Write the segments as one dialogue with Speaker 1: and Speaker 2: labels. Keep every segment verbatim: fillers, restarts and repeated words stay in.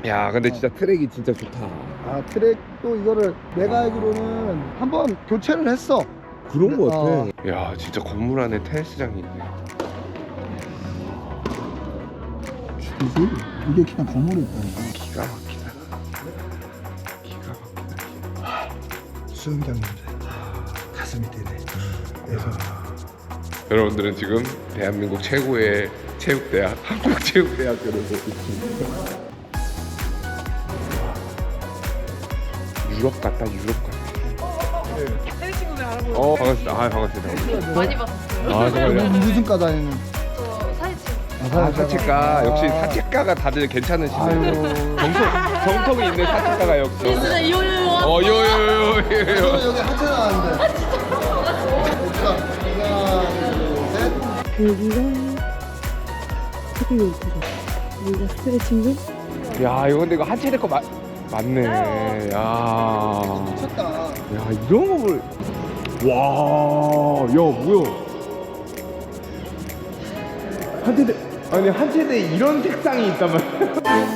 Speaker 1: 야 근데
Speaker 2: 어.
Speaker 1: 진짜 트랙이 진짜 좋다.
Speaker 2: 아 트랙도 이거를 내가 알기로는 한번 교체를 했어.
Speaker 1: 그런 거 같아.
Speaker 2: 어.
Speaker 1: 야 진짜 건물 안에 테니스장이 있네.
Speaker 2: 그지? 이게 그냥 건물이 있다니까.
Speaker 1: 기가 막히다. 기가 막히다.
Speaker 2: 수영장인데 가슴이 뛰네. 그래서
Speaker 1: 여러분들은 지금 대한민국 최고의 체육대학 한국체육대학교를 보고 있습니다. 유럽 같다 유럽 같다.
Speaker 3: 테니스 친구들 알아보고
Speaker 1: 어 반갑습니다. 아 반갑습니다.
Speaker 3: 많이 봤었어요.
Speaker 1: 아 정말요?
Speaker 2: 무슨 과 다니는?
Speaker 3: 저 사진 찍
Speaker 1: 아 사채가 역시
Speaker 2: 아.
Speaker 1: 사채가가 다들 괜찮으시네.
Speaker 2: 아유.
Speaker 1: 정통 정통이 있는 사채가가 역시.
Speaker 3: 진짜 이호요.
Speaker 1: 어 요요요요.
Speaker 2: 저는 여기 하체 나왔는데. 자, 하나, 둘, 셋.
Speaker 4: 여기가 스피드 요트죠. 여기가 스트레칭룸.
Speaker 1: 야 이거 근데 이거 한치대 거 맞 맞네. 야.
Speaker 2: 미쳤다.
Speaker 1: 야 이런 거 볼. 와. 야 뭐야? 한치대 아니 한치대 이런 색상이 있단 말이야.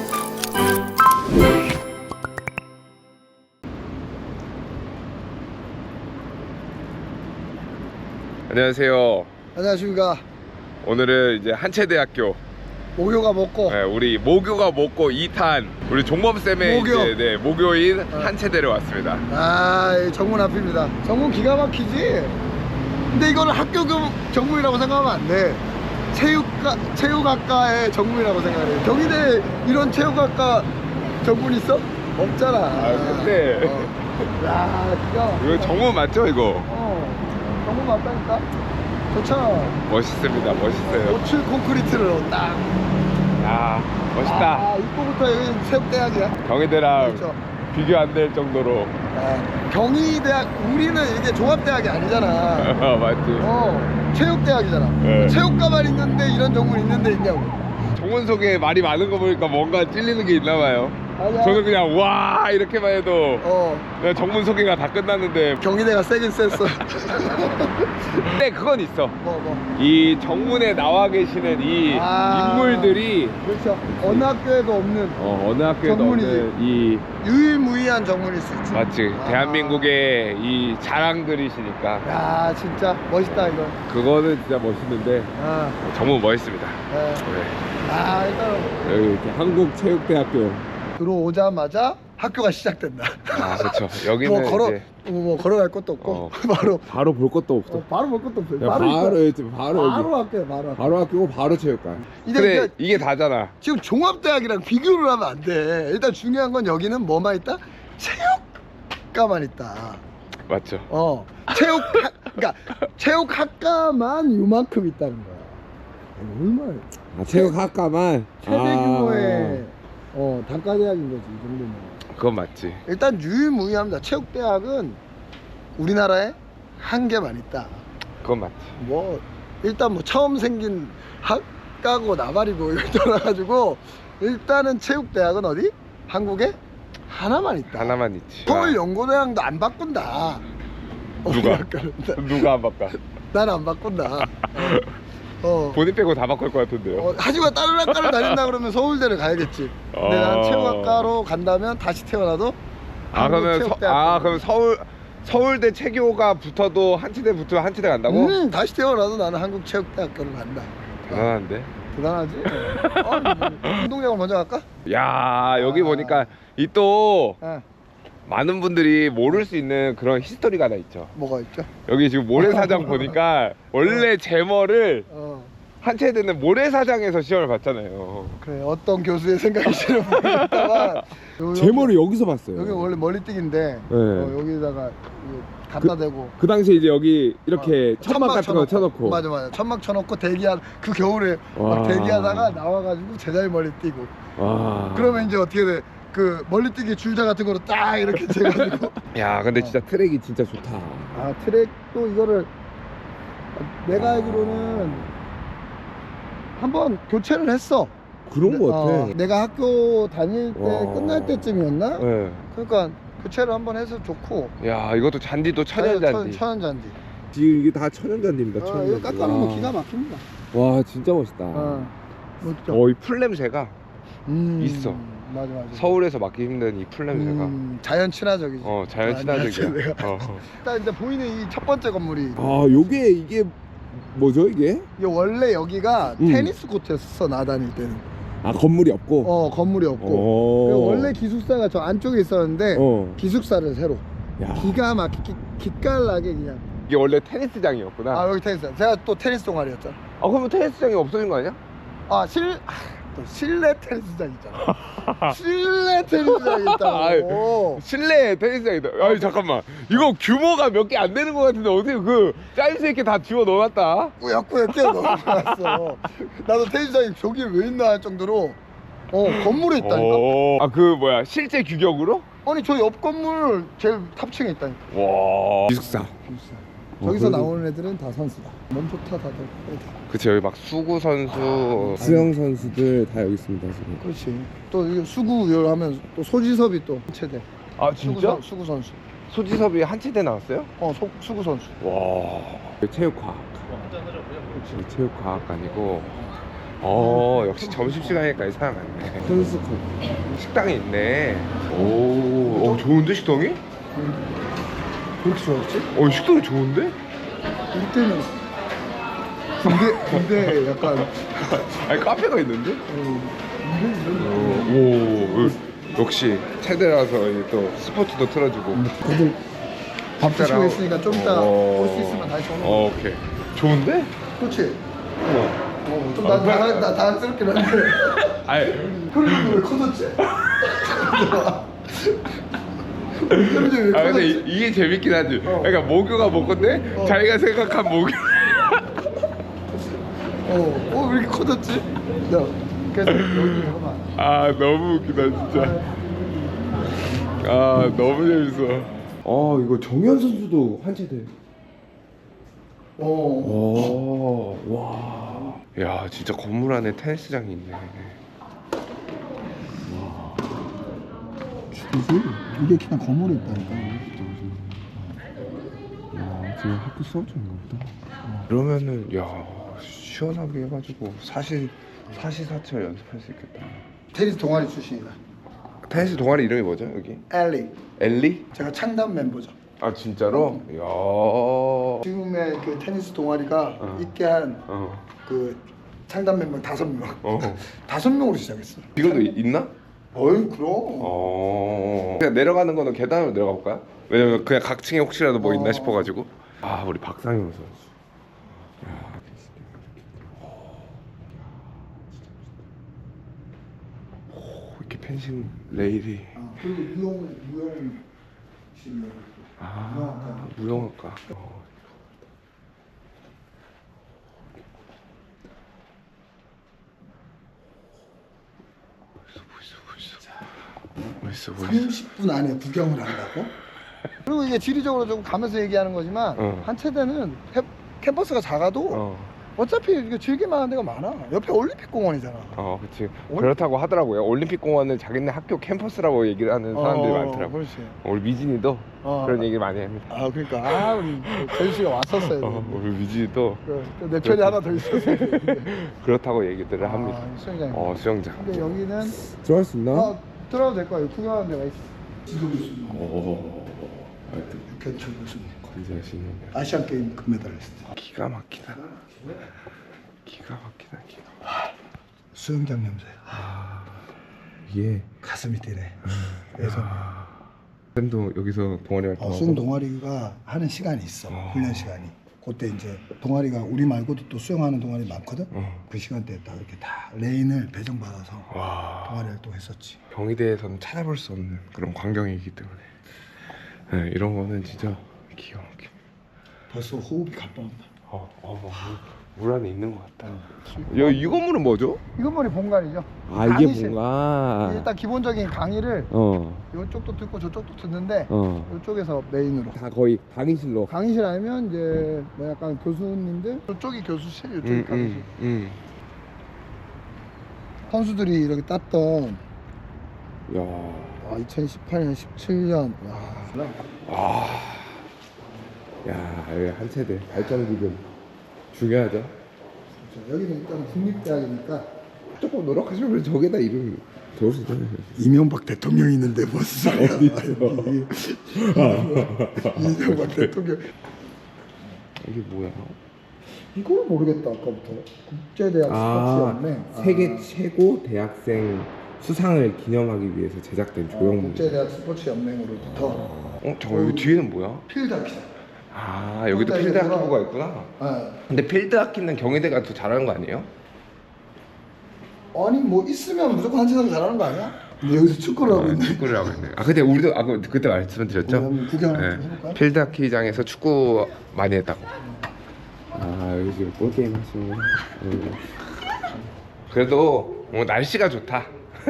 Speaker 1: 안녕하세요.
Speaker 2: 안녕하십니까.
Speaker 1: 오늘은 이제 한체대학교
Speaker 2: 목요가 먹고
Speaker 1: 네, 우리 모교가 먹고 이 탄 우리 종범 쌤의
Speaker 2: 모교.
Speaker 1: 이제 네, 모교인
Speaker 2: 어.
Speaker 1: 한체대를 왔습니다.
Speaker 2: 아, 이 정문 앞입니다. 정문 기가 막히지? 근데 이거는 학교 경- 정문이라고 생각하면 안 돼. 체육과, 체육학과의 정문이라고 생각해. 경희대 이런 체육학과 정문 있어? 없잖아.
Speaker 1: 아, 근데
Speaker 2: 어. 야, 기가 막혀.
Speaker 1: 이거 정문 맞죠 이거?
Speaker 2: 어, 정문 맞다니까? 좋죠?
Speaker 1: 멋있습니다. 멋있어요.
Speaker 2: 오칠 콘크리트를 딱.
Speaker 1: 야 멋있다.
Speaker 2: 아, 입구부터 여기 체육대학이야.
Speaker 1: 경희대랑
Speaker 2: 그렇죠.
Speaker 1: 비교 안 될 정도로.
Speaker 2: 아, 경희대학, 우리는 이게 종합대학이 아니잖아.
Speaker 1: 맞지.
Speaker 2: 어, 체육대학이잖아.
Speaker 1: 네.
Speaker 2: 체육과만 있는데 이런 정문 있는데 있냐고.
Speaker 1: 정문 속에 말이 많은 거 보니까 뭔가 찔리는 게 있나 봐요.
Speaker 2: 아니야.
Speaker 1: 저는 그냥 와 이렇게만 해도
Speaker 2: 어,
Speaker 1: 그냥 정문 소개가 다 끝났는데.
Speaker 2: 경희대가 세긴 셌어.
Speaker 1: 근데 그건 있어.
Speaker 2: 뭐, 뭐.
Speaker 1: 이 정문에 나와 계시는 이
Speaker 2: 아.
Speaker 1: 인물들이
Speaker 2: 그렇죠. 어느 학교에도 없는
Speaker 1: 어, 어느 학교에도
Speaker 2: 정문이지.
Speaker 1: 없는 이
Speaker 2: 유일무이한 정문일 수 있지.
Speaker 1: 맞지.
Speaker 2: 아.
Speaker 1: 대한민국의 이 자랑들이시니까
Speaker 2: 야, 진짜 멋있다, 이거.
Speaker 1: 그거는 진짜 멋있는데
Speaker 2: 아,
Speaker 1: 정문 멋있습니다.
Speaker 2: 네.
Speaker 1: 네.
Speaker 2: 아, 일단
Speaker 1: 여기 이렇게 한국체육대학교.
Speaker 2: 들어오자마자 학교가 시작된다.
Speaker 1: 아 그렇죠. 여기는
Speaker 2: 뭐 걸어,
Speaker 1: 이제
Speaker 2: 뭐, 뭐 걸어갈 것도 없고
Speaker 1: 어,
Speaker 2: 바로
Speaker 1: 바로 볼 것도 없어.
Speaker 2: 어, 바로 볼 것도 없어요.
Speaker 1: 야,
Speaker 2: 바로
Speaker 1: 바로
Speaker 2: 있다.
Speaker 1: 여기 바로,
Speaker 2: 바로
Speaker 1: 여기
Speaker 2: 학교야, 바로.
Speaker 1: 바로 학교고 바로 체육관.
Speaker 2: 이제
Speaker 1: 근데
Speaker 2: 그러니까
Speaker 1: 이게 다잖아.
Speaker 2: 지금 종합대학이랑 비교를 하면 안 돼. 일단 중요한 건 여기는 뭐만 있다? 체육과만 있다.
Speaker 1: 맞죠.
Speaker 2: 어, 체육, 그러니까 체육학과만 요만큼 있다는 거야. 얼마나
Speaker 1: 아, 체육학과만
Speaker 2: 최대 규모의 어 단과대학인 거지 이 정도면.
Speaker 1: 그건 맞지.
Speaker 2: 일단 유일무이합니다. 체육대학은 우리나라에 한 개만 있다.
Speaker 1: 그건 맞지.
Speaker 2: 뭐 일단 뭐 처음 생긴 학과고 나발이고 이걸 떠나가지고 일단은 체육대학은 어디? 한국에 하나만 있다.
Speaker 1: 하나만 있지.
Speaker 2: 서울연고대학도 안 바꾼다.
Speaker 1: 누가?
Speaker 2: 나-
Speaker 1: 누가 안 바꿔?
Speaker 2: 난 안 바꾼다. 어. 어.
Speaker 1: 본인 빼고 다 바꿀 것 같은데요.
Speaker 2: 어, 하지만 다른 학과를 다닌다 그러면 서울대를 가야겠지. 근데
Speaker 1: 어.
Speaker 2: 난 체육학과로 간다면 다시 태어나도
Speaker 1: 아 그러면 서,
Speaker 2: 한국체육대학교.
Speaker 1: 아 그럼 서울 서울대 체교가 붙어도 한치대 붙으면 한치대 간다고?
Speaker 2: 음, 다시 태어나도 나는 한국체육대학교를 간다.
Speaker 1: 대단한데.
Speaker 2: 대단하지? 어, 운동장을 먼저 갈까?
Speaker 1: 야 여기
Speaker 2: 아.
Speaker 1: 보니까 이 또
Speaker 2: 어,
Speaker 1: 많은 분들이 모를 수 있는 그런 히스토리가 하나 있죠.
Speaker 2: 뭐가 있죠?
Speaker 1: 여기 지금 모래사장 보니까 원래 제머를
Speaker 2: 어,
Speaker 1: 한체대는 모래사장에서 시험을 봤잖아요.
Speaker 2: 그래 어떤 교수의 생각이시는 모르겠다만
Speaker 1: 여기서 봤어요.
Speaker 2: 여기 원래 멀리뛰기인데
Speaker 1: 네.
Speaker 2: 어, 여기다가 이거 갖다 대고
Speaker 1: 그 당시에 이제 여기 이렇게
Speaker 2: 어,
Speaker 1: 천막 같은 거 쳐놓고.
Speaker 2: 맞아 맞아 천막 쳐놓고 대기한 그 겨울에
Speaker 1: 와.
Speaker 2: 막 대기하다가 나와가지고 제자리 멀리 뛰고
Speaker 1: 와.
Speaker 2: 그러면 이제 어떻게 돼? 그 멀리뛰기 줄자 같은 거로 딱 이렇게 재가지고
Speaker 1: 야 근데 진짜 트랙이 진짜 좋다.
Speaker 2: 아 트랙도 이거를 내가 알기로는 한번 교체를 했어.
Speaker 1: 그런 거 같아.
Speaker 2: 어, 내가 학교 다닐 때
Speaker 1: 와.
Speaker 2: 끝날 때쯤이었나?
Speaker 1: 네.
Speaker 2: 그러니까 교체를 한번 해서 좋고.
Speaker 1: 야 이것도 잔디도 천연잔디.
Speaker 2: 천, 천연잔디.
Speaker 1: 지금 이게 다 천연잔디입니다.
Speaker 2: 어, 이거 깎아놓으면 기가 막힙니다.
Speaker 1: 와 진짜 멋있다.
Speaker 2: 어, 멋져.
Speaker 1: 어 이 풀 냄새가
Speaker 2: 음.
Speaker 1: 있어.
Speaker 2: 맞아 맞아.
Speaker 1: 서울에서 맡기 힘든 이 풀 냄새가.
Speaker 2: 음, 자연 친화적이지.
Speaker 1: 어 자연
Speaker 2: 아,
Speaker 1: 친화적이야.
Speaker 2: 내가-
Speaker 1: 어.
Speaker 2: 일단 이제 보이는 이 첫 번째 건물이
Speaker 1: 아 요게 이게 뭐죠 이게?
Speaker 2: 이게 원래 여기가
Speaker 1: 음.
Speaker 2: 테니스 코트였어 나 다닐 때는.
Speaker 1: 아 건물이 없고.
Speaker 2: 어 건물이 없고.
Speaker 1: 어.
Speaker 2: 그리고 원래 기숙사가 저 안쪽에 있었는데
Speaker 1: 어.
Speaker 2: 기숙사를 새로.
Speaker 1: 야.
Speaker 2: 기가 막히게 기깔나게 그냥.
Speaker 1: 이게 원래 테니스장이었구나.
Speaker 2: 아 여기 테니스. 제가 또 테니스 동아리였잖아.
Speaker 1: 아 그러면 테니스장이 없어진 거 아니야?
Speaker 2: 아실 아, 또 실내 테니스장 있잖아. 실내 테니스장 있다고.
Speaker 1: 실내 테니스장이다. 아니 잠깐만 이거 규모가 몇 개 안 되는 것 같은데 어떻게 그 사이즈 있게 다 집어 넣어놨다.
Speaker 2: 꾸역꾸역 끼어 넣어놨어. 나도 테니스장이 저기 왜 있나 할 정도로 어 건물에 있다니까.
Speaker 1: 아 그 뭐야 실제 규격으로?
Speaker 2: 아니 저 옆 건물 제일 탑층에 있다니까.
Speaker 1: 와 기숙사.
Speaker 2: 저기서
Speaker 1: 그래도-
Speaker 2: 나오는 애들은 다 선수다. 몸 좋다 다들.
Speaker 1: 그치 여기 막 수구 선수
Speaker 5: 수영 선수들 다 여기 있습니다 지금.
Speaker 2: 그렇지. 또 이거 수구 하면 또 소지섭이 또 체대.
Speaker 1: 아
Speaker 2: 수구, 선- 수구 선수.
Speaker 1: 소지섭이 한치대 나왔어요?
Speaker 2: 어 소, 수구 선수.
Speaker 1: 와 체육과학 그치 체육과학관이고 어 역시 점심시간이니까 사람 많네.
Speaker 5: 선수컵.
Speaker 1: 식당이 있네. 오, 어, 좋은데 식당이?
Speaker 2: 왜 이렇게 좋았지?
Speaker 1: 어 식당이 좋은데?
Speaker 2: 우리 때는 군대 군대 약간
Speaker 1: 아니 카페가 있는데?
Speaker 2: 어, 이런
Speaker 1: 오,
Speaker 2: 이런.
Speaker 1: 오, 어, 역시 체대라서 이제 또 스포츠도 틀어주고.
Speaker 2: 애들 밥 드시고
Speaker 1: 식사랑-
Speaker 2: 있으니까 좀 이따
Speaker 1: 어.
Speaker 2: 올 수 있으면 다시 오는 거.
Speaker 1: 어, 오케이. 좋은데?
Speaker 2: 그렇지.
Speaker 1: 어.
Speaker 2: 어, 좀
Speaker 1: 아,
Speaker 2: 나,
Speaker 1: 그래?
Speaker 2: 나, 나 당황스럽긴 한데.
Speaker 1: 아니,
Speaker 2: 흐름이 왜 커졌지? 흐름이 왜
Speaker 1: 아 근데
Speaker 2: 커졌지?
Speaker 1: 이, 이게 재밌긴 하지.
Speaker 2: 어.
Speaker 1: 그러니까 모교가 모교인데
Speaker 2: 어.
Speaker 1: 자기가 생각한 모교.
Speaker 2: 어, 어, 왜 이렇게 커졌지? 야, 그래서 여기 잠깐만.
Speaker 1: 아 너무 웃기다 진짜. 아 너무 재밌어. 어 이거 정현 선수도 한체대.
Speaker 2: 어,
Speaker 1: 오, 와. 야, 진짜 건물 안에 테니스장이 있네.
Speaker 2: 죽이지? 이게 그냥 건물에 있다니까.
Speaker 5: 야 지금 학교 수업 중인가 보다.
Speaker 1: 그러면은, 야, 시원하게 해가지고 사시, 사시사철 연습할 수 있겠다.
Speaker 2: 테니스 동아리 출신이다.
Speaker 1: 테니스 동아리 이름이 뭐죠, 여기?
Speaker 2: 엘리.
Speaker 1: 엘리?
Speaker 2: 제가 창단 멤버죠.
Speaker 1: 아, 진짜로? 야.
Speaker 2: 지금의 그 테니스 동아리가
Speaker 1: 어.
Speaker 2: 있게 한 그
Speaker 1: 어.
Speaker 2: 창단 멤버 다섯 명.
Speaker 1: 어.
Speaker 2: 다섯 명으로 시작했어.
Speaker 1: 이것도 이- 있나?
Speaker 2: 어이 그럼.
Speaker 1: 어. 그냥 내려가는 거는 계단으로 내려가 볼까요? 왜냐면 그냥 각 층에 혹시라도 뭐 있나
Speaker 2: 어.
Speaker 1: 싶어가지고. 아, 우리 박상현 선수. 오, 이렇게 펜싱 레일이.
Speaker 2: 아, 그리고 무용 무용 실력.
Speaker 1: 아, 무용학과. 어. 멋있어, 멋있어, 멋있어.
Speaker 2: 삼십 분 안에 구경을 한다고? 그리고 이게 지리적으로 좀 가면서 얘기하는 거지만
Speaker 1: 어.
Speaker 2: 한 체대는 캠, 캠퍼스가 작아도
Speaker 1: 어,
Speaker 2: 어차피 이게 즐길만한 데가 많아. 옆에 올림픽 공원이잖아.
Speaker 1: 어, 그렇지.
Speaker 2: 올-
Speaker 1: 그렇다고 하더라고요. 올림픽 공원을 자기네 학교 캠퍼스라고 얘기를 하는 사람들이
Speaker 2: 어,
Speaker 1: 많더라고.
Speaker 2: 그렇지.
Speaker 1: 우리 미진이도
Speaker 2: 어.
Speaker 1: 그런 얘기 많이 합니다.
Speaker 2: 아 그러니까 아 우리 전 씨가 왔었어요.
Speaker 1: 어, 우리 미진이도
Speaker 2: 그, 내 편이 하나 더 있었어요.
Speaker 1: 그렇다고 얘기들을 합니다.
Speaker 2: 아, 수영장.
Speaker 1: 어, 수영장.
Speaker 2: 근데 여기는
Speaker 5: 들어갈 수 있나?
Speaker 2: 어, 들어가도 될 거예요. 구경하는 데가 있어. 지금 교수님,
Speaker 1: 오,
Speaker 2: 육현철 교수님,
Speaker 1: 건재하시네.
Speaker 2: 아시안 게임 금메달리스트.
Speaker 1: 기가 막히다. 기가 막히다. 기가.
Speaker 2: 수영장 냄새.
Speaker 1: 이게
Speaker 2: 가슴이 뛰네. 그래서
Speaker 1: 쌤도 여기서 동아리 활동하고.
Speaker 2: 어, 수영 동아리가 하는 시간이 있어.
Speaker 1: 어.
Speaker 2: 훈련 시간이. 그때 이제 동아리가 우리 말고도 또 수영하는 동아리 많거든.
Speaker 1: 어.
Speaker 2: 그 시간대에 딱 이렇게 다 레인을 배정받아서
Speaker 1: 와.
Speaker 2: 동아리 활동했었지.
Speaker 1: 경희대에서는 찾아볼 수 없는 그런 광경이기 때문에 네, 이런 거는 진짜 기가 막혀.
Speaker 2: 벌써 호흡이 가빠온다.
Speaker 1: 어, 어, 뭐, 물 안에 있는 것 같다. 야, 이 건물은 뭐죠?
Speaker 2: 이건 머리 본관이죠.
Speaker 5: 아 이게
Speaker 2: 강의실.
Speaker 5: 뭔가.
Speaker 2: 일단 기본적인 강의를
Speaker 5: 어.
Speaker 2: 이쪽도 듣고 저쪽도 듣는데
Speaker 5: 어.
Speaker 2: 이쪽에서 메인으로.
Speaker 5: 다 거의 강의실로.
Speaker 2: 강의실 아니면 이제 뭐 약간 교수님들 이쪽이 교수실, 이쪽이
Speaker 1: 음,
Speaker 2: 강의실.
Speaker 1: 음, 음.
Speaker 2: 선수들이 이렇게 땄던
Speaker 1: 야,
Speaker 2: 아, 이천십팔 년, 십칠 년. 와.
Speaker 1: 와,
Speaker 5: 야 여기 한 세대 발전 기금 중요하죠.
Speaker 2: 그렇죠. 여기는 일단 국립대학이니까
Speaker 1: 조금 노력하시면 저게다 이름
Speaker 5: 좋을 수 있잖아요.
Speaker 2: 이명박 대통령이 있는데 무슨 소리야? 이명박 대통령.
Speaker 5: 이게 뭐야?
Speaker 2: 이걸 모르겠다 아까부터. 국제대학
Speaker 5: 아,
Speaker 2: 스포츠연맹.
Speaker 5: 세계
Speaker 2: 아.
Speaker 5: 최고 대학생 수상을 기념하기 위해서 제작된
Speaker 2: 어,
Speaker 5: 조형물.
Speaker 2: 국제대학 스포츠연맹으로부터
Speaker 1: 어 잠깐 여기 뒤에는 뭐야?
Speaker 2: 필드하키.
Speaker 1: 아 여기도
Speaker 2: 필드
Speaker 1: 필드
Speaker 2: 학기구나.
Speaker 1: 학기부가 있구나.
Speaker 2: 아,
Speaker 1: 근데 필드 학기는 경희대가 더 잘하는 거 아니에요?
Speaker 2: 아니 뭐 있으면 무조건 한세상 잘하는 거 아니야? 근데 여기서 축구를 하고 있네.
Speaker 1: 축구를 하고 있네. 아 근데 우리도 아까 그때 말씀드렸죠?
Speaker 2: 우리 한번 구경 한번
Speaker 1: 네.
Speaker 2: 해볼까요?
Speaker 1: 필드 하키장에서 축구 많이 했다고.
Speaker 5: 아 여기 지금 볼 게임 하시는. 음.
Speaker 1: 그래도 뭐 날씨가 좋다.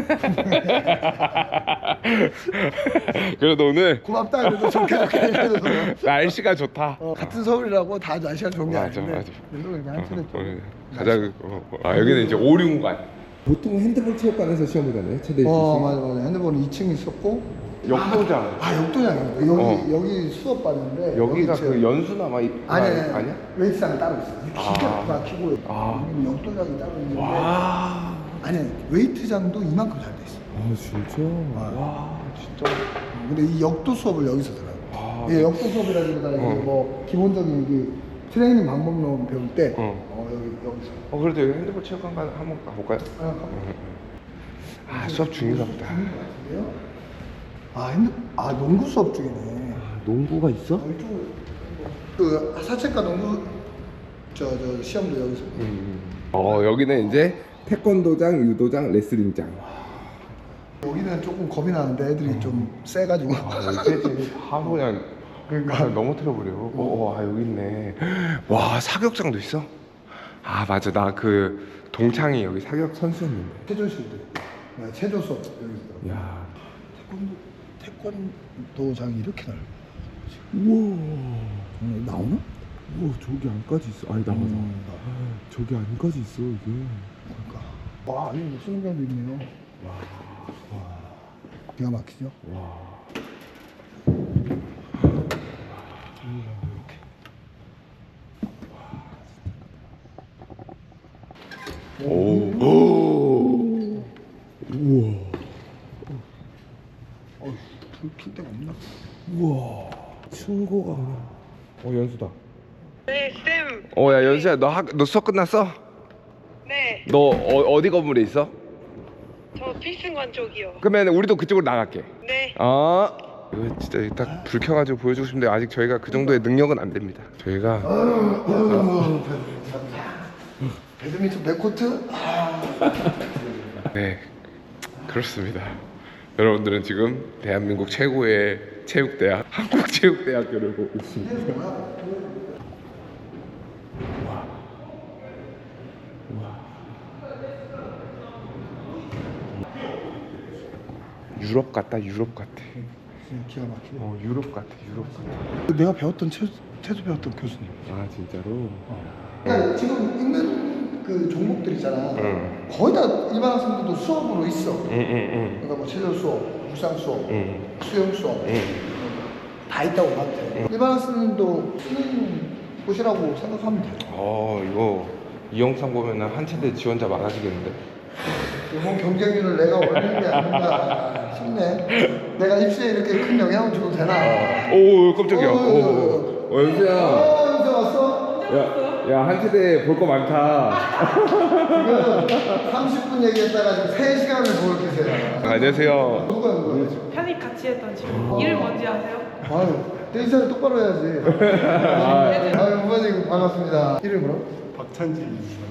Speaker 1: 그래도 오늘
Speaker 2: 고맙다 그래도 좋게 좋게 해줘서.
Speaker 1: 날씨가 좋다.
Speaker 2: 어, 같은 서울이라고 다 날씨가 좋은 게
Speaker 1: 맞아,
Speaker 2: 아닌데.
Speaker 1: 맞아.
Speaker 2: 그래도 그냥 한편에 좀
Speaker 1: 오늘 가장 어, 어. 아 여기는 이제 오륜관.
Speaker 5: 보통 핸드볼 체육관에서 시험 보잖아요. 최대
Speaker 2: 어 맞아 맞아. 핸드폰은 이 층 있었고.
Speaker 1: 역도장.
Speaker 2: 아 역도장이네. 여기
Speaker 1: 어.
Speaker 2: 여기 수업 받는데
Speaker 1: 여기가
Speaker 2: 여기
Speaker 1: 그 연수나 막 이-
Speaker 2: 아니
Speaker 1: 아니,
Speaker 2: 아니
Speaker 1: 아니야?
Speaker 2: 웨이트장이 따로 있어.
Speaker 1: 아.
Speaker 2: 기가 막히고
Speaker 1: 아.
Speaker 2: 여기는 역도장이 따로 있는데.
Speaker 1: 와.
Speaker 2: 아니 웨이트장도 이만큼 잘 돼 있어.
Speaker 5: 아 진짜.
Speaker 1: 와 진짜.
Speaker 2: 근데 이 역도 수업을 여기서 들어요.
Speaker 1: 아.
Speaker 2: 이게 역도 수업이라기보다 이게
Speaker 1: 어.
Speaker 2: 뭐 기본적인 그 트레이닝 방법론 배울 때
Speaker 1: 어.
Speaker 2: 어, 여기 여기서.
Speaker 1: 어 그래도 여기 핸드볼 체육관 가 한번 가볼까요?
Speaker 2: 아, 가볼까요?
Speaker 1: 아 수업 중인가 보다.
Speaker 2: 아 핸드 아 농구 수업 중이네.
Speaker 5: 농구가 있어?
Speaker 2: 어, 이쪽 그 사채과 농구 저 저 시험도 여기서.
Speaker 1: 음. 어 여기는 이제
Speaker 5: 태권도장, 유도장, 레슬링장.
Speaker 2: 여기는 조금 겁이 나는데 애들이 좀 세가지고.
Speaker 1: 아, 여기 하루 그냥 그러니까 너무 틀어버려. 어, 아 여기 있네. 와 사격장도 있어? 아 맞아 나 그 동창이 여기 사격 선수였는데.
Speaker 2: 체조실도 있고. 네, 체조 수업 여기서.
Speaker 5: 야.
Speaker 2: 태권 태권도장이 이렇게 넓어.
Speaker 5: 우와.
Speaker 2: 음, 나오나?
Speaker 5: 우와 저기 안까지 있어. 아니 나와 나와. 저기 안까지 있어 이게.
Speaker 2: 그러니까. 와, 여기 뭐 수능장도 있네요. 와, 와, 기가 막히죠?
Speaker 5: 와.
Speaker 1: 오. 오.
Speaker 5: 우와.
Speaker 2: 어, 불필 데가 없나?
Speaker 5: 우와. 층고가 그냥. 어 연수다.
Speaker 3: 네, 쌤.
Speaker 1: 어야 연수야 너 학 너 수업 끝났어?
Speaker 3: 네,
Speaker 1: 너 어, 어디 건물에 있어?
Speaker 3: 저 필승관 쪽이요.
Speaker 1: 그러면 우리도 그쪽으로 나갈게.
Speaker 3: 네.
Speaker 1: 어. 이거 진짜 딱 불 켜가지고 보여주고 싶은데 아직 저희가 그 정도의 능력은 안 됩니다. 저희가
Speaker 2: 배드민턴 백코트? 아,
Speaker 1: 네 그렇습니다. 여러분들은 지금 대한민국 최고의 체육대학 한국체육대학교를 보고 있습니다. 유럽 같다 유럽 같아.
Speaker 2: 진짜 기가 막히네.
Speaker 1: 어 유럽 같아 유럽 같아.
Speaker 2: 내가 배웠던 체조, 체조 배웠던 교수님.
Speaker 5: 아 진짜로?
Speaker 2: 그러니까 지금 있는 그 종목들 있잖아.
Speaker 1: 응.
Speaker 2: 거의 다 일반 학생들도 수업으로 있어.
Speaker 1: 응응응.
Speaker 2: 그러니까 뭐 체조 수업, 물상 수업,
Speaker 1: 응.
Speaker 2: 수영 수업
Speaker 1: 응.
Speaker 2: 다 있다고 봐도 돼. 일반 학생들도 쓰는 곳이라고 생각하면 돼.
Speaker 1: 어 이거 이 영상 보면은 한체대 지원자 많아지겠는데.
Speaker 2: 이번 경쟁률을 내가 올리는 게 아닌가 싶네. 내가 입시에 이렇게 큰 영향을 줘도 되나?
Speaker 1: 오 깜짝이야.
Speaker 2: 어,
Speaker 1: 오, 어 연수야.
Speaker 2: 어, 이제 왔어?
Speaker 1: 야, 야 한체대 볼 거 많다.
Speaker 2: 지금 삼십 분 얘기했다가 지금 세 시간을 보고 계세요.
Speaker 1: 안녕하세요.
Speaker 2: 누가 누가?
Speaker 3: 편입 같이 했던 친구. 이름 뭔지 아세요?
Speaker 2: 아유, 데이터를 똑바로 해야지. 아유, 부모님 반갑습니다. 이름 뭐라?
Speaker 6: 박찬진입니다.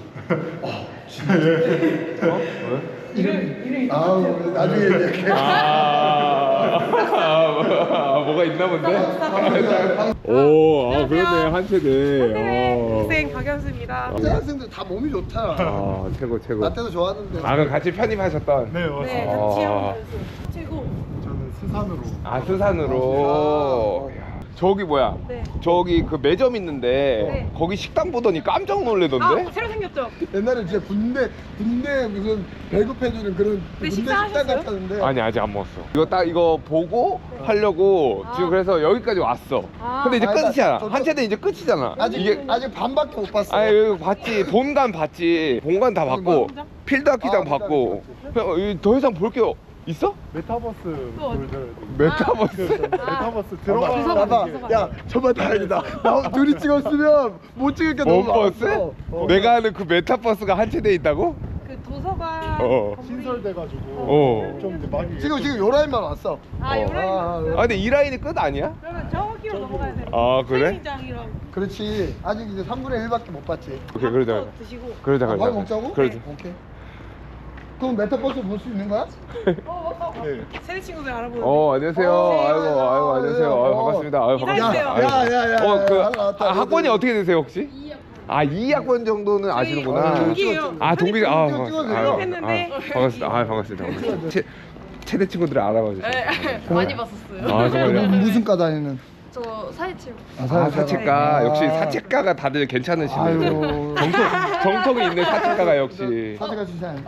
Speaker 3: 이름 이름이
Speaker 2: 아우,
Speaker 3: 똑같아요.
Speaker 2: 나중에 이렇게.
Speaker 1: 아, 아, 뭐가 있나 본데? 오, 아 그러네 한체대.
Speaker 3: 네, 학생 박연수입니다.
Speaker 2: 학생들 다 몸이 좋다.
Speaker 1: 아 최고 최고.
Speaker 2: 나 때도 좋았는데.
Speaker 1: 아 그럼 같이 편입하셨던.
Speaker 6: 네, 맞습니다.
Speaker 3: 네,
Speaker 1: 아.
Speaker 3: 같이 하면 최고.
Speaker 6: 저는 스산으로.
Speaker 1: 아 수산으로. 야, 저기 뭐야?
Speaker 3: 네.
Speaker 1: 저기 그 매점 있는데
Speaker 3: 네.
Speaker 1: 거기 식당 보더니 깜짝 놀래던데?
Speaker 3: 아, 새로 생겼죠?
Speaker 2: 옛날에 진짜 군대 군대 무슨 배급해주는 그런
Speaker 3: 네,
Speaker 2: 군대 식당
Speaker 3: 식사하셨어요?
Speaker 2: 같았는데.
Speaker 1: 아니 아직 안 먹었어. 이거 딱 이거 보고 하려고
Speaker 3: 아.
Speaker 1: 지금 그래서 여기까지 왔어.
Speaker 3: 아.
Speaker 1: 근데 이제
Speaker 2: 아, 그러니까
Speaker 1: 끝이야.
Speaker 2: 저도-
Speaker 1: 한체대 이제 끝이잖아.
Speaker 2: 아직
Speaker 1: 이게
Speaker 2: 아직 반밖에 못 봤어.
Speaker 1: 아니 여기 봤지. 본관 봤지. 본관 다 봤고.
Speaker 3: 진짜?
Speaker 1: 필드 악기장
Speaker 2: 아,
Speaker 1: 봤고 형, 여기 더 이상 볼 게 있어?
Speaker 6: 메타버스 보여줘야 돼.
Speaker 1: 메타버스?
Speaker 6: 메타버스
Speaker 2: 봐봐,
Speaker 6: 들어가.
Speaker 2: 봐봐. 야, 저번 다행이다. 나 둘이 찍었으면 못 찍을 게 너무
Speaker 1: 뭔버스?
Speaker 2: 많았어. 어.
Speaker 1: 내가 아는 그 메타버스가 한 채돼 있다고?
Speaker 3: 그 도서관.
Speaker 1: 어.
Speaker 6: 신설돼가지고
Speaker 1: 어.
Speaker 6: 좀 이제 많이
Speaker 2: 지금 지금 요 라인만 왔어.
Speaker 3: 아,
Speaker 2: 어.
Speaker 3: 요라인.
Speaker 2: 아,
Speaker 1: 아 근데 이 라인이 끝 아니야?
Speaker 3: 그러면 저기로 넘어가야 돼.
Speaker 1: 아, 그래?
Speaker 3: 장이랑
Speaker 2: 그렇지. 아직 이제 삼분의 일밖에 못 봤지.
Speaker 1: 오케이 그러자
Speaker 3: 드시고.
Speaker 1: 그러자
Speaker 2: 아, 밥
Speaker 1: 그러자
Speaker 2: 먹자고?
Speaker 1: 그러자
Speaker 2: 오케이. 그럼 메타버스 볼 수 있는 거야?
Speaker 3: 어, 어,
Speaker 6: 네.
Speaker 3: 새 친구들 알아보는.
Speaker 1: 어 안녕하세요
Speaker 2: 어,
Speaker 1: 아이고
Speaker 2: 어,
Speaker 1: 아이고 안녕하세요
Speaker 2: 어,
Speaker 1: 아유,
Speaker 2: 어.
Speaker 1: 반갑습니다 아유 반갑습니다
Speaker 3: 인사해주세요.
Speaker 1: 아유.
Speaker 2: 야, 야, 야,
Speaker 1: 어, 그
Speaker 2: 야, 나왔다.
Speaker 1: 아, 학번이
Speaker 2: 너도-
Speaker 1: 어떻게 되세요 혹시? 아 이 학번 정도는 아시는구나
Speaker 2: 어,
Speaker 3: 동기예요.
Speaker 1: 아 동기 아,
Speaker 2: 찍어,
Speaker 1: 아,
Speaker 2: 찍어,
Speaker 1: 아,
Speaker 2: 찍어.
Speaker 3: 했는데.
Speaker 1: 아, 반갑습니다 아 반갑습니다 반갑습니다. 채, 최대 친구들을 알아봐 주세요
Speaker 7: 많이 봤었어요.
Speaker 1: 아 정말요?
Speaker 2: 무슨 과 다니는?
Speaker 7: 저 사회체육.
Speaker 1: 아 사채과
Speaker 2: 아.
Speaker 1: 역시 사채과가 다들 괜찮으시네요
Speaker 2: 아유.
Speaker 1: 정통, 정통이 있는 사채과가 역시
Speaker 2: 사제가 주산.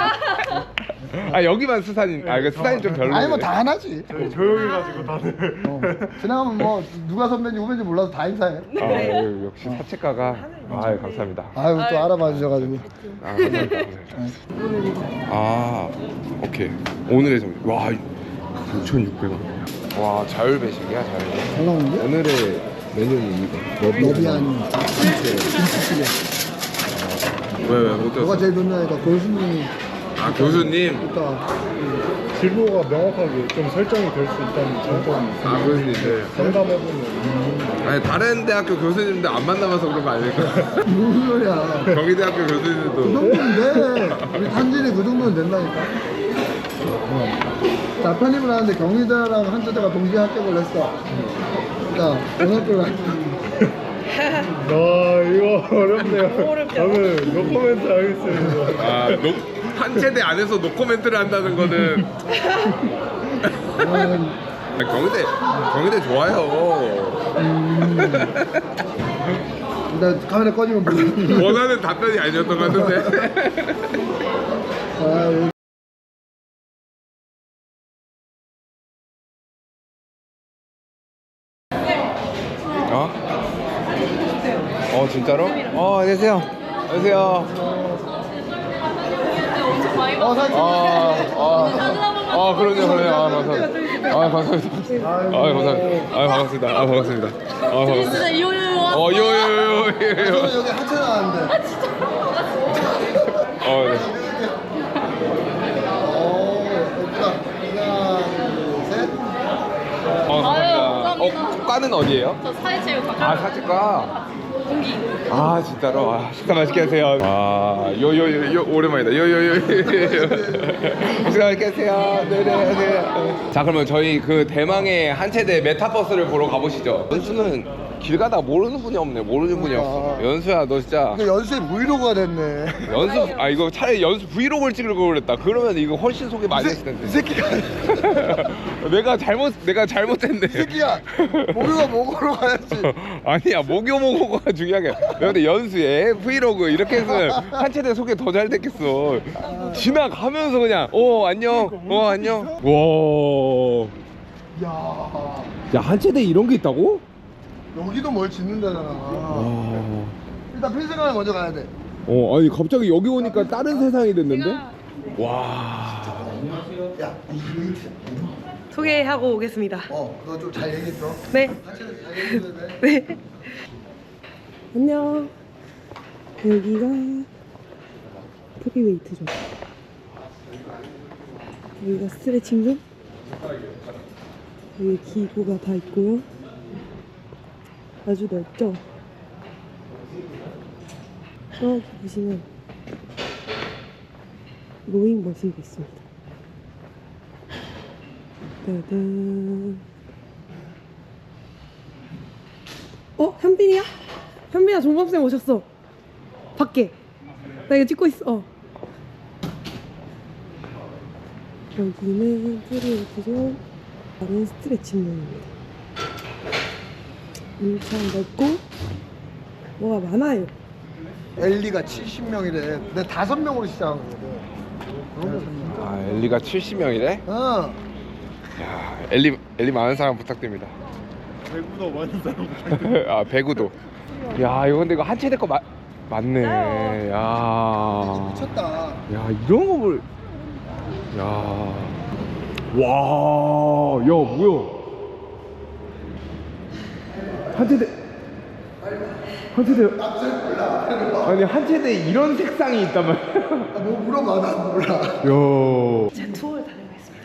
Speaker 1: 아 여기만 수산인 아 이거 수산이 좀 별로네
Speaker 2: 아니 뭐 다 하나지.
Speaker 6: 저희 조용해가지고 다들.
Speaker 2: 어. 지나가면 뭐 누가 선배인지 후배인지 몰라도 다 인사해.
Speaker 1: 아 역시 사채과가 아 감사합니다
Speaker 2: 아유 또 알아봐 주셔가지고.
Speaker 1: 아 감사합니다 아 오케이 오늘의 점심 와 구천육백 원 와 자율배식이야 자율배식
Speaker 2: 잘 나오는데?
Speaker 1: 오늘의 메뉴는 이거
Speaker 2: 너비안 김치찌개.
Speaker 1: 왜왜 못
Speaker 2: 너가
Speaker 1: 들었어?
Speaker 2: 제일 좋냐니까 교수님이
Speaker 1: 아 교수님
Speaker 2: 있다.
Speaker 6: 진로가 명확하게 좀 설정이 될 수 있다는 장점이 있어요.
Speaker 1: 아 교수님들
Speaker 6: 상담해보면
Speaker 1: 아니 다른 대학교 교수님들 안 만나봐서 그런 거 아닐까?
Speaker 2: 무슨 소리야?
Speaker 1: 경희대학교
Speaker 2: 그
Speaker 1: 교수님들도
Speaker 2: 정도면 돼. 우리 탄진이 그 정도면 된다니까. 어. 자 편입을 하는데 경희대랑 한자대가 동시에 합격을 했어. 자 어느 학교를 할까?
Speaker 6: 아 이거 어렵네요.
Speaker 3: 어렵죠?
Speaker 6: 저는 노코멘트 하겠습니다.
Speaker 1: 아 노, 한 세대 안에서 노코멘트를 한다는 거는
Speaker 2: 음,
Speaker 1: 아, 경희대 경희대 좋아요
Speaker 2: 일단 카메라 꺼지면 보여.
Speaker 1: 원하는 답변이 아니었던 것 같은데
Speaker 2: 아,
Speaker 1: 어? 어 진짜로? 어 안녕하세요 안녕하세요
Speaker 2: 어 사진.
Speaker 1: 아, 아, 아, 그러네요, 그러네요. 아, 감사합니다. 아, 감사합니다. 아, 감사합니다. 아, 반갑습니다. 아, 반갑습니다. 아, 반갑습니다.
Speaker 7: 진짜 이호요.
Speaker 1: 어, 요, 요, 요, 요, 요.
Speaker 2: 저는 여기 하체 나왔는데.
Speaker 1: 어, 네.
Speaker 2: 오 예쁘다. 하나 둘 셋.
Speaker 1: 어, 감사합니다.
Speaker 7: 감사합니다.
Speaker 1: 어, 과는 어디예요?
Speaker 7: 저 사회체육.
Speaker 1: 아, 사직과.
Speaker 7: 공기.
Speaker 1: 아, 진짜로. 아, 식사 맛있게 하세요. 아, 요, 요, 요, 요, 오랜만이다. 요, 요, 요, 요, 요. 식사 맛있게 하세요. 네, 네, 하세요. 자, 그러면 저희 그 대망의 한체대 메타버스를 보러 가보시죠. 연수는 길 가다가 모르는 분이 없네. 모르는 분이 없어. 연수야, 너 진짜.
Speaker 2: 이거 연수의 브이로그가 됐네.
Speaker 1: 연수 아 이거 차라리 연수 브이로그를 찍을 걸 그랬다. 그러면 이거 훨씬 소개 많이 했을
Speaker 2: 이
Speaker 1: 텐데.
Speaker 2: 새끼가
Speaker 1: 내가 잘못 내가 잘못했네.
Speaker 2: 이 새끼야 목요가 목으로 가야지.
Speaker 1: 아니야 목요 목요가 중요한 게 아니라. 근데 연수에 브이로그 이렇게 했으면 한 채대 소개 더 잘 됐겠어. 지나가면서 그냥 어 안녕 어 안녕. 와.
Speaker 2: 야
Speaker 1: 야한 채대 이런 게 있다고?
Speaker 2: 여기도 뭘 짓는다잖아.
Speaker 1: 와.
Speaker 2: 일단 필승관을 먼저 가야 돼.
Speaker 1: 어 아니 갑자기 여기 오니까 다른 세상이 됐는데? 와.
Speaker 2: 야 이거
Speaker 3: 소개하고 오겠습니다.
Speaker 2: 어, 너 좀 잘 얘기했어.
Speaker 3: 네.
Speaker 2: 하체는 잘 얘기해줘야 돼.
Speaker 3: 네.
Speaker 4: 안녕. 여기가 프리웨이트존. 여기가 스트레칭존. 여기 기구가 다 있고요. 아주 넓죠? 저기 보시면 로잉 머신도 있습니다. 따단. 어? 현빈이야? 현빈아 종범쌤 오셨어. 밖에. 나 이거 찍고 있어. 어. 여기는 프리웨이트존, 다른 스트레칭존입니다. 엄청 넓고 뭐가 많아요.
Speaker 2: 엘리가 칠십 명이래. 근데 다섯 명으로 시작한 거거든. 그런 거 진짜.
Speaker 1: 아 엘리가 칠십 명이래?
Speaker 2: 어.
Speaker 1: 야 엘리 엘리 많은 사람 부탁드립니다.
Speaker 6: 배구도 많은 사람.
Speaker 1: 아 배구도. 야 이거 근데 이거 한 채대 거 마, 맞네. 야.
Speaker 2: 미쳤다.
Speaker 1: 야, 이런 거 볼. 야. 와. 야, 뭐야? 한체대. 한체대. 아니, 한체대 이런 색상이 있단 말이야.
Speaker 2: 아, 뭐 물어봐, 나 몰라.
Speaker 1: 야.
Speaker 3: 제 투어를 다녀오겠습니다.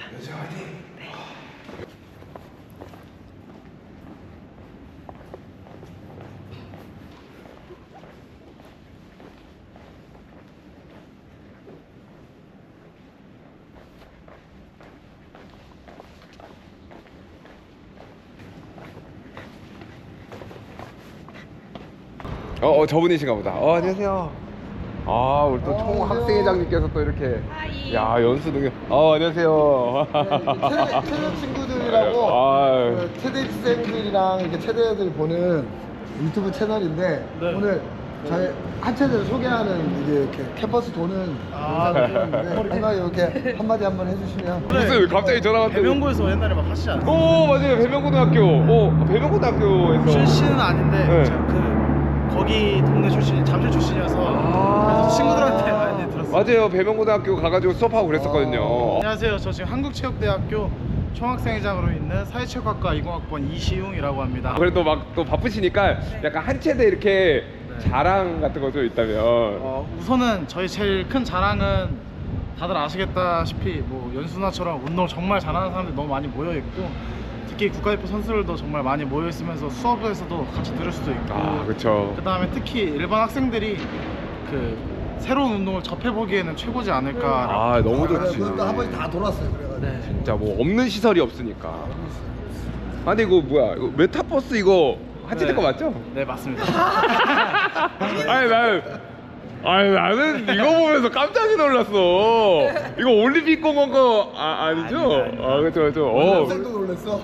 Speaker 1: 어, 어 저분이신가 보다. 어, 안녕하세요. 아, 우리 또 총학생회장님께서 또 이렇게. 야, 연수 능력. 어, 안녕하세요.
Speaker 2: 체대, 체대 친구들이라고
Speaker 1: 아유.
Speaker 2: 그 체대 입생들이랑 이렇게 체대 애들 보는 유튜브 채널인데 오늘 저희 한 체대를 소개하는 이게 이렇게 캠퍼스 도는 영상을 찍었는데 한마디 이렇게 한마디 한번 해주시면
Speaker 1: 무슨 갑자기 전화 왔더니.
Speaker 8: 배명고에서 옛날에 막 하시지 않았어요?
Speaker 1: 오, 맞아요. 배명고등학교. 어, 배명고등학교에서.
Speaker 8: 출신은 아닌데
Speaker 1: 네.
Speaker 8: 제가 그 거기 동네 출신, 잠실 출신이어서 그래서 친구들한테 많이 들었어요.
Speaker 1: 맞아요. 배명고등학교 가가지고 수업하고 그랬었거든요.
Speaker 8: 안녕하세요. 저 지금 한국체육대학교 총학생회장으로 있는 사회체육학과 이공학번 이시웅이라고 합니다.
Speaker 1: 그래도 막 또 바쁘시니까 약간 한 체대 이렇게 자랑 같은 거 좀 있다면.
Speaker 8: 어, 우선은 저희 제일 큰 자랑은 다들 아시겠다시피 뭐 연수나처럼 운동 정말 잘하는 사람들이 너무 많이 모여 있고 특히 국가대표 선수들도 정말 많이 모여 있으면서 수업에서도 같이 들을 수도 있고
Speaker 1: 아, 그쵸.
Speaker 8: 그 다음에 특히 일반 학생들이 그 새로운 운동을 접해보기에는 최고지 않을까.
Speaker 1: 아, 너무 좋지.
Speaker 2: 그것도 한 번씩 다 돌았어요. 그래가지고
Speaker 8: 네.
Speaker 1: 진짜 뭐 없는 시설이 없으니까. 아, 근데 이거 뭐야? 이거 메타버스 이거 한체대
Speaker 8: 네.
Speaker 1: 거 맞죠?
Speaker 8: 네, 맞습니다.
Speaker 1: 아니 나는 아니 나는 이거 보면서 깜짝 놀랐어. 이거 올림픽 공원 거 아, 아니죠?
Speaker 8: 아닙니다, 아닙니다.
Speaker 1: 아, 그쵸 그쵸. 어.
Speaker 2: 학생도 놀랬어.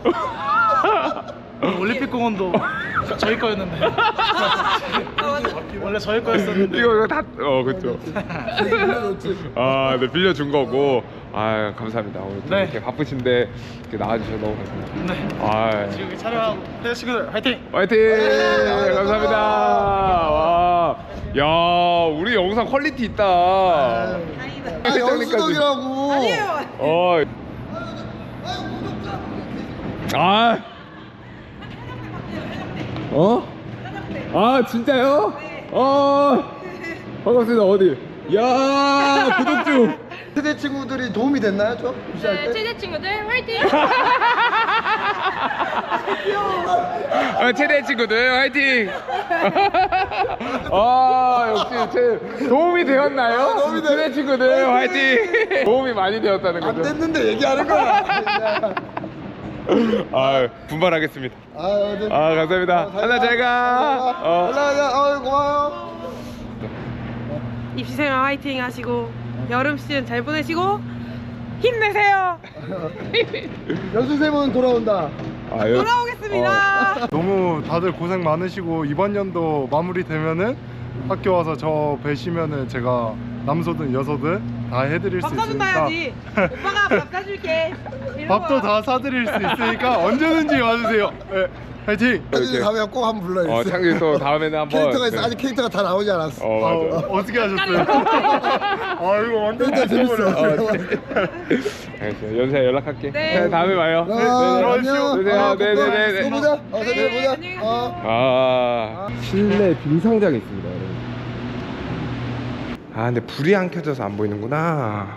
Speaker 8: 올림픽 공원도 저희 거였는데 원래 저희 거였었는데
Speaker 1: 이거 이거 다 어 그쵸.
Speaker 2: 빌려줬지.
Speaker 1: 아, 네 빌려준 거고. 아, 감사합니다. 오늘 또
Speaker 8: 네.
Speaker 1: 이렇게 바쁘신데 이렇게 나와주셔서 너무 감사합니다.
Speaker 8: 네.
Speaker 1: 아,
Speaker 8: 지금 여기 촬영하고 회사 친구들 화이팅!
Speaker 1: 화이팅!
Speaker 2: 네,
Speaker 1: 감사합니다. 와, 야, 우리 영상 퀄리티 있다.
Speaker 2: 아, 연수덕이라고.
Speaker 3: 아니에요.
Speaker 1: 어. 아. 어? 아, 진짜요? 어. 반갑습니다. 어디? 야, 구독 중.
Speaker 2: 세대 친구들이 도움이 됐나요, 좀? 무시할
Speaker 7: 네,
Speaker 2: 때?
Speaker 7: 최대 친구들 화이팅!
Speaker 1: 어, 최대 친구들 화이팅! 아, 역시 제 도움이 되었나요?
Speaker 2: 도움이 돼.
Speaker 1: 최대 친구들 화이팅! 도움이 많이 되었다는
Speaker 2: 안
Speaker 1: 거죠.
Speaker 2: 됐는데 얘기하는 거야.
Speaker 1: 아, 분발하겠습니다.
Speaker 2: 아, 네.
Speaker 1: 아, 감사합니다. 하나 잘 가. 어.
Speaker 2: 올라가자. 어, 고마워요.
Speaker 3: 입시생활 화이팅 하시고 여름 시즌 잘 보내시고 힘내세요.
Speaker 2: 연수생은 돌아온다.
Speaker 1: 아, 여-
Speaker 3: 돌아오겠습니다.
Speaker 6: 너무 다들 고생 많으시고 이번 연도 마무리되면은 학교 와서 저 뵈시면은 제가 남소든 여소든 다 해드릴 수
Speaker 3: 밥 사준다
Speaker 6: 있으니까
Speaker 3: 해야지. 오빠가 밥 사줄게. 이런
Speaker 6: 밥도
Speaker 3: 거야.
Speaker 6: 다 사드릴 수 있으니까 언제든지 와주세요. 네, 화이팅!
Speaker 2: 이렇게 가면 꼭 한번 불러주세요.
Speaker 1: 어, 창규 또 다음에는 한번.
Speaker 2: 캐릭터가 있어.
Speaker 1: 네.
Speaker 2: 아직 캐릭터가 다 나오지 않았어.
Speaker 1: 어, 맞아.
Speaker 6: 어, 어떻게 하셨어요? 아 이거 완전
Speaker 2: 일단 재밌어.
Speaker 1: 어, 알겠어요. 연세야 연락할게.
Speaker 3: 네.
Speaker 1: 네, 다음에 봐요.
Speaker 2: 아,
Speaker 1: 네, 네.
Speaker 2: 안녕.
Speaker 1: 들어가세요.
Speaker 2: 아,
Speaker 1: 네, 네, 네, 네.
Speaker 2: 또 보자. 어,
Speaker 3: 네,
Speaker 2: 내일 보자.
Speaker 3: 안녕히 가세요.
Speaker 2: 어.
Speaker 1: 아, 실내 빙상장이 있습니다, 여러분. 아, 근데 불이 안 켜져서 안 보이는구나.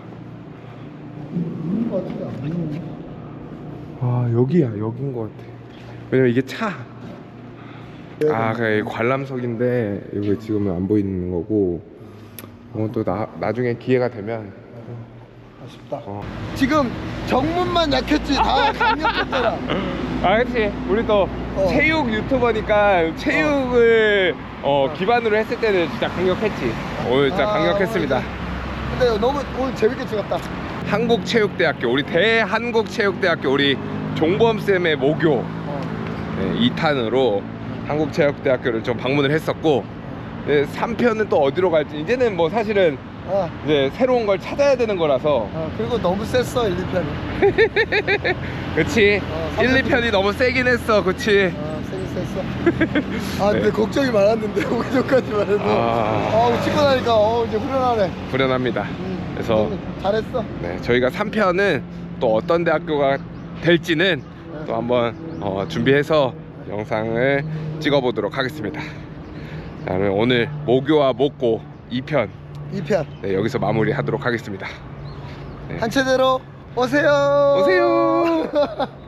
Speaker 1: 아, 여기야, 여긴 것 같아. 왜냐면 이게 차. 아, 그 관람석인데 이거 지금은 안 보이는 거고. 어, 또 나, 나중에 기회가 되면.
Speaker 2: 아쉽다.
Speaker 1: 어.
Speaker 2: 지금 정문만 약했지 다 강력했잖아.
Speaker 1: 아, 그렇지. 우리 또
Speaker 2: 어.
Speaker 1: 체육 유튜버니까 체육을 어, 기반으로 했을 때는 진짜 강력했지. 오늘 진짜
Speaker 2: 아,
Speaker 1: 강력했습니다.
Speaker 2: 근데 너무 오늘 재밌게 찍었다.
Speaker 1: 한국체육대학교, 우리 대한국체육대학교, 우리 종범 쌤의 모교
Speaker 2: 어.
Speaker 1: 네, 이 탄으로 한국체육대학교를 좀 방문을 했었고, 네, 삼 편은 또 어디로 갈지 이제는 뭐 사실은
Speaker 2: 아,
Speaker 1: 이제 새로운 걸 찾아야 되는 거라서.
Speaker 2: 아, 그리고 너무 셌어 일, 이 편이.
Speaker 1: 그치.
Speaker 2: 어,
Speaker 1: 일, 이 편이 너무 세긴 했어. 그치.
Speaker 2: 어, 세게 했어 했어. 아 근데
Speaker 1: 네.
Speaker 2: 걱정이 많았는데 오기 전까지만 해도
Speaker 1: 아.
Speaker 2: 아 찍고 나니까 어 이제 후련하네.
Speaker 1: 불안합니다.
Speaker 2: 음,
Speaker 1: 그래서
Speaker 2: 잘했어.
Speaker 1: 네, 저희가 삼 편은 또 어떤 대학교가 될지는 또 한번 어, 준비해서 영상을 찍어보도록 하겠습니다. 자, 그러면 오늘 모교와 목고 이 편
Speaker 2: 이 편
Speaker 1: 네, 여기서 마무리하도록 하겠습니다. 네.
Speaker 2: 한 채대로 오세요.
Speaker 1: 오세요.